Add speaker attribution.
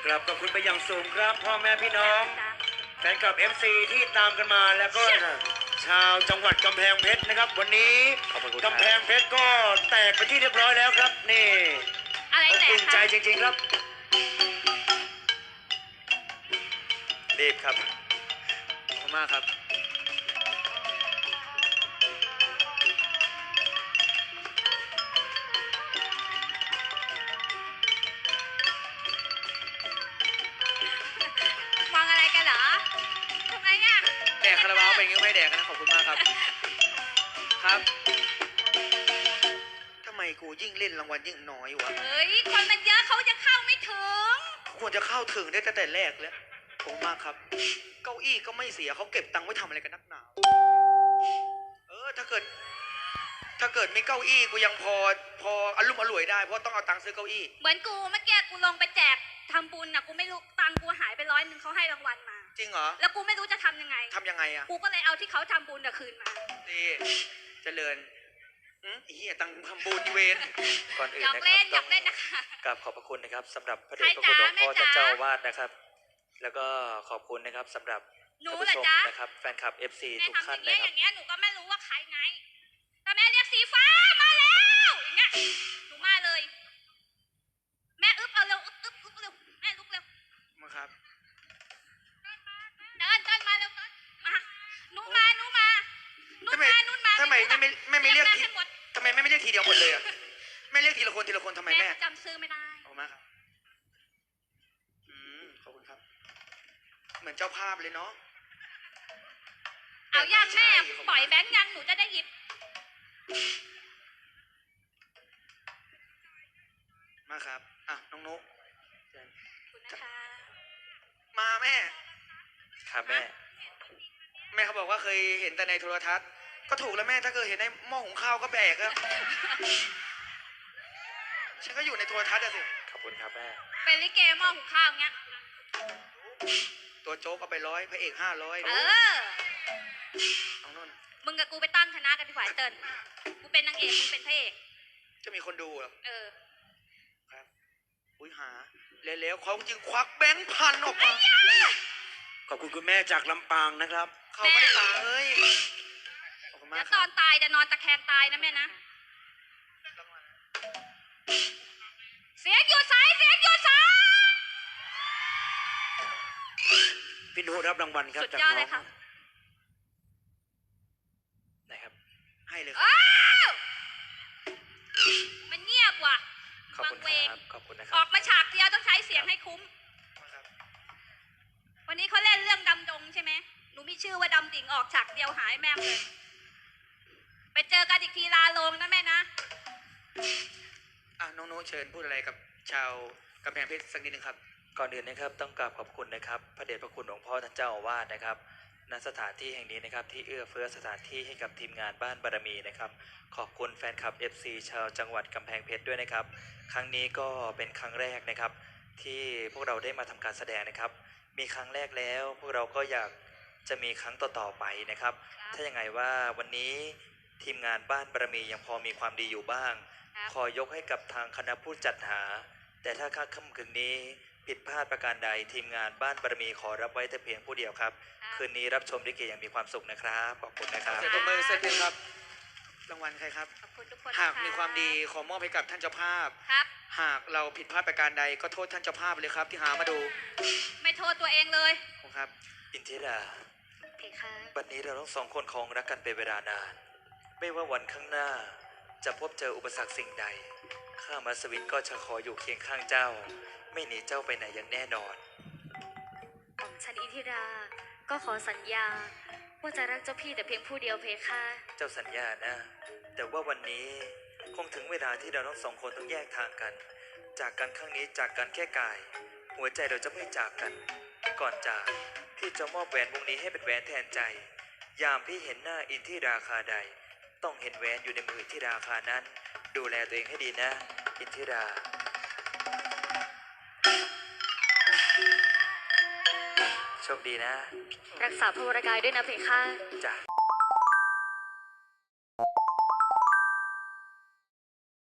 Speaker 1: ครับขอบคุณไปอย่างสูงครับพ่อแม่พี่น้องแฟนคลับ FC ที่ตามกันมาแล้วก็ชาวจังหวัดกำแพงเพชรนะครับวันนี้กำแพงเพชรก็แตกไปที่เรียบร้อยแล้วครับนี่อบอุ่นใจจริงๆครับรีบครับขอบคุณมากครับ
Speaker 2: มองอะไรกันเหรอทำไมอ่ะ
Speaker 1: แดกคาราบาวเป็นยังไม่แดกนะขอบคุณมากครับครับทำไมกูยิ่งเล่นรางวัลยิ่งน้อยวะ
Speaker 2: เฮ้ยคนมันเยอะเขาจะเข้าไม่ถึง
Speaker 1: ควรจะเข้าถึงได้ตั้งแต่แรกแล้วขอบคุณมากครับเก้าอี้ก็ไม่เสียเขาเก็บตังค์ไว้ทำอะไรกันนักหนาถ้าเกิดมีเก้าอี้กูยังพออารมณ์อร่วยได้เพราะต้องเอาตังค์ซื้อเก้าอี้
Speaker 2: เหมือนกูเมื่อกี้กูลงไปแจกทำบุญน่ะกูไม่รู้ตังค์กูหายไป100เขาให้รางวัลมา
Speaker 1: จริงเหรอ
Speaker 2: แล้วกูไม่รู้จะทำยังไง
Speaker 1: อ่ะ
Speaker 2: กูก็เลยเอาที่เขาทำบุญคืนมา
Speaker 1: ดีเจริญเฮียตังทำบุญเวร
Speaker 3: ก่อนอื่นนะครับ
Speaker 2: อยากเล่นนะคะ
Speaker 3: กราบขอบพระคุณนะครับสำหรับพระเดชพระคุณหลวงพ่อท่านเจ้าอาวาสนะครับแล้วก็ขอบคุณนะครับสำหรับท่านผู้ชมนะครับแฟนคลับ FC ทุกท่านนะครับ
Speaker 2: อย่างเงี้ยหนูก็ไม่รู้ว่าใครไงแต่แม่เรียกสีฟ้ามาแล้วอย่างเงี้ยหนูมาเลยแม่อึ๊บเอาเร็วอึ๊บเร็วแม่ลุกเร็ว
Speaker 1: มาครับ
Speaker 2: เดินมาเร็วมาหนูมา
Speaker 1: ทำไมไม่เรียกทีทำไมไม่เรียกทีเดียวหมดเลยอ่ะไม่เรียกทีละคนทำไมแม่
Speaker 2: จำซื้อไม่ได้
Speaker 1: ขอบคุณมากครับขอบคุณครับเหมือนเจ้าภาพเลยเนาะ
Speaker 2: เอาย่างแม่ปล่อยแบงค์ยังหนูจะได้หยิบ
Speaker 1: มาครับน้องนุ๊ก
Speaker 2: คุณนะคะ
Speaker 1: มาแม่
Speaker 3: ครับแม่
Speaker 1: เขาบอกว่าเคยเห็นแต่ในโทรทัศน์ก็ถูกแล้วแม่ถ้าเคยเห็นในหม้อหุงข้าวก็แบกอะฉันก็อยู่ในโทรทัศน์อะสิ
Speaker 3: ขอบคุณครับแม่
Speaker 2: เป็นลิเกหม้อหุงข้าวเงี้ย
Speaker 1: ตัวโจ๊กเอาไป100พระเอก500เอาโน่น
Speaker 2: มึงกับกูไปตั้งคณะกันดีกว่าเติ้ลกูเป็นนางเอกมึงเป็นพระเอก
Speaker 1: จะมีคนดูเหรอ
Speaker 2: ครับ
Speaker 1: หาแล้วเขาจึงควักแบงค์พันออกมาขอบคุณคุณแม่จากลำปางนะครับเขาไม่ได้ตายเอ้ย
Speaker 2: เดี๋ยวตอนตายจะนอนตะแคงตายนะแม่นะเสียงอยู่สาย
Speaker 1: พี่นุรับรางวัลครับ
Speaker 2: สุดยอดเลยครับ
Speaker 3: นะครับ
Speaker 1: ให้เลย
Speaker 2: มันเงียบว่ะ
Speaker 3: ขอบคุณครับขอบคุณนะครับ
Speaker 2: ออกมาฉากเดียวต้องใช้เสียงให้คุ้มวันนี้เขาเล่นเรื่องดำดงใช่ไหมหนูมีชื่อว่าดำดิ่งออกฉากเดียวหายแม่เลยไปเจอกันอีกทีลาลงนะแม่นะ
Speaker 1: น้องโน้เชิญพูดอะไรกับชาวกำแพงเพชรสักนิดนึงครับ
Speaker 3: ก่อนอื่นนะครับต้องกราบขอบคุณนะครับพระเดชพระคุณหลวงพ่อท่านเจ้าอาวาสนะครับณสถานที่แห่งนี้นะครับที่เอื้อเฟื้อสถานที่ให้กับทีมงานบ้านบารมีนะครับขอบคุณแฟนคลับ FC ชาวจังหวัดกำแพงเพชรด้วยนะครับครั้งนี้ก็เป็นครั้งแรกนะครับที่พวกเราได้มาทำการแสดงนะครับมีครั้งแรกแล้วพวกเราก็อยากจะมีครั้งต่อๆไปนะครับถ้าอย่างไรว่าวันนี้ทีมงานบ้านบารมียังพอมีความดีอยู่บ้างขอยกให้กับทางคณะผู้จัดหาแต่ถ้าค่ำคืนนี้ผิดพลาดประการใดทีมงานบ้านบารมีขอรับไว้แต่เพียงผู้เดียวครับคืนนี้รับชมลิเกอย่างมีความสุขนะครับขอบคุณนะครับ
Speaker 1: เสร็จมือเสร็จเลยครับรางวัลใครครับ
Speaker 2: ขอบคุณทุกคน
Speaker 1: หากมีความดีขอมอบให้กับท่านเจ้าภาพ
Speaker 2: ครับ
Speaker 1: หากเราผิดพลาดประการใดก็โทษท่านเจ้าภาพเลยครับที่หามาดู
Speaker 2: ไม่โทษตัวเองเลย
Speaker 1: ครับ
Speaker 3: อินทิราวันนี้เราทั้งสองคนคงรักกันเป็นเวลานานไม่ว่าวันข้างหน้าจะพบเจออุปสรรคสิ่งใดข้ามัสวินก็จะขออยู่เคียงข้างเจ้าไม่หนีเจ้าไปไหนอย่างแน่นอน
Speaker 4: ของฉันอินทิราก็ขอสัญญาว่าจะรักเจ้าพี่แต่เพียงผู้เดียวเพคะ
Speaker 3: เจ้าสัญญานะแต่ว่าวันนี้คงถึงเวลาที่เราทั้งสองคนต้องแยกทางกันจากกันครั้งนี้จากกันแค่กายหัวใจเราจะไม่จากกันก่อนจากพี่จะมอบแหวนวงนี้ให้เป็นแหวนแทนใจยามพี่เห็นหน้าอินทิราคาใดต้องเห็นแหวนอยู่ในมืออินทิราคานั้นดูแลตัวเองให้ดีนะอินทิราโชคดีนะ
Speaker 4: รักษาพระวรกายด้วยนะเพคะ
Speaker 3: จ้ะ